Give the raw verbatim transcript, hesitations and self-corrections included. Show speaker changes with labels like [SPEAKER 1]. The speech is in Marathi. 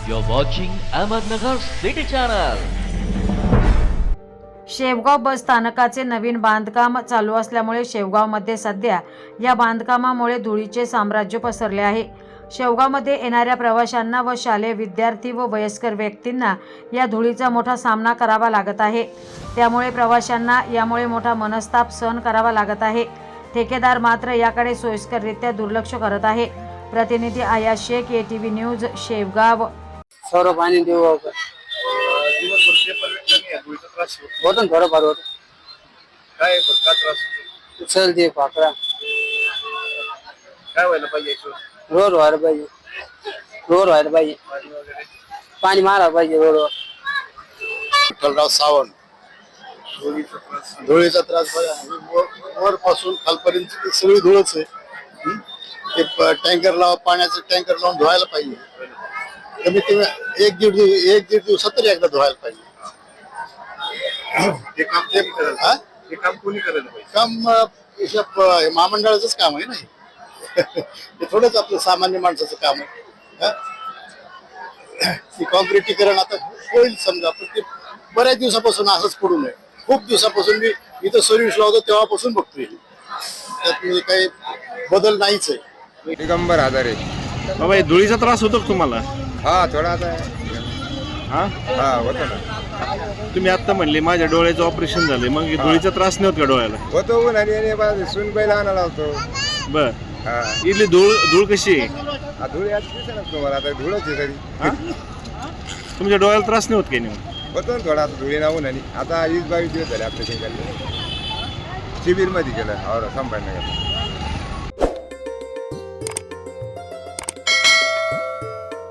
[SPEAKER 1] You're watching Ahmednagar City Channel.
[SPEAKER 2] Shevgaon बस स्थानकाचे नवीन बांधकाम चालू असल्यामुळे शेवगावमध्ये सध्या या बांधकामामुळे धुळीचे साम्राज्य पसरले आहे। शेवगावमध्ये येणाऱ्या प्रवाशांना व शालेय विद्यार्थी व वयस्कर व्यक्तींना या धुळीचा मोठा सामना करावा लागत आहे। त्यामुळे प्रवाशांना यामुळे मोठा मनस्ताप सहन करावा लागत आहे। ठेकेदार मात्र याकडे सोयीस्कररित्या दुर्लक्ष करत आहे। प्रतिनिधी Aaya Shaikh, A T V news, Shevgaon.
[SPEAKER 3] Saurabh पाणी देऊ होतं थोडं फार होतं
[SPEAKER 4] काय का त्रास
[SPEAKER 3] चल दे पाकळा
[SPEAKER 4] काय व्हायला पाहिजे
[SPEAKER 3] रोड व्हायला पाहिजे रोड व्हायला पाहिजे
[SPEAKER 4] पाणी वगैरे
[SPEAKER 3] पाणी मारा पाहिजे रोडवर।
[SPEAKER 4] विठ्ठलराव सावंत धुळीचा त्रास धुळीचा त्रास बघा वर पासून खालपर्यंत सगळी धुळच आहे। हं? ते टँकर लावा पाण्याचं टँकर लावून धुवायला पाहिजे। कमीत कमी एक दीड दिवस एक दीड दिवसात तरी एकदा धुवायला पाहिजे। हे काम ते करेल हा हे काम कोणी करायला पाहिजे काम महामंडळाचंच काम आहे ना हे थोडंच आपलं सामान्य माणसाचं काम आहे। ती कॉन्क्रिटीकरण आता होईल समजा पण ते बऱ्याच दिवसापासून असंच पडू नये। खूप दिवसापासून मी इथं सर्व्हिस लावतो तेव्हापासून बघतोय त्यात म्हणजे काही बदल नाहीच आहे।
[SPEAKER 5] दिगंबर आजारे
[SPEAKER 6] बाबा हे धुळीचा त्रास होतो का तुम्हाला?
[SPEAKER 5] हा थोडा आता
[SPEAKER 6] हा
[SPEAKER 5] हा होतो ना
[SPEAKER 6] तुम्ही आता म्हणले माझ्या डोळ्याचं ऑपरेशन झाले, मग हे धुळीचा त्रास नाही होत का डोळ्याला?
[SPEAKER 5] होतो ऊन आणि सुनबाईला आणायला होतो।
[SPEAKER 6] बर,
[SPEAKER 5] हा
[SPEAKER 6] इथली धूळ धूळ कशी आहे?
[SPEAKER 5] हा, धूळ याच दिसेना तुम्हाला आता धूळच आहे तरी
[SPEAKER 6] हा? तुमच्या डोळ्याला त्रास नाही होत काही नाही?
[SPEAKER 5] होतो ना थोडा धुळी नावून आणि आता वीस बावीस दिवस झाले आपल्या शिबिर मध्ये केलं और संभाजीनगर।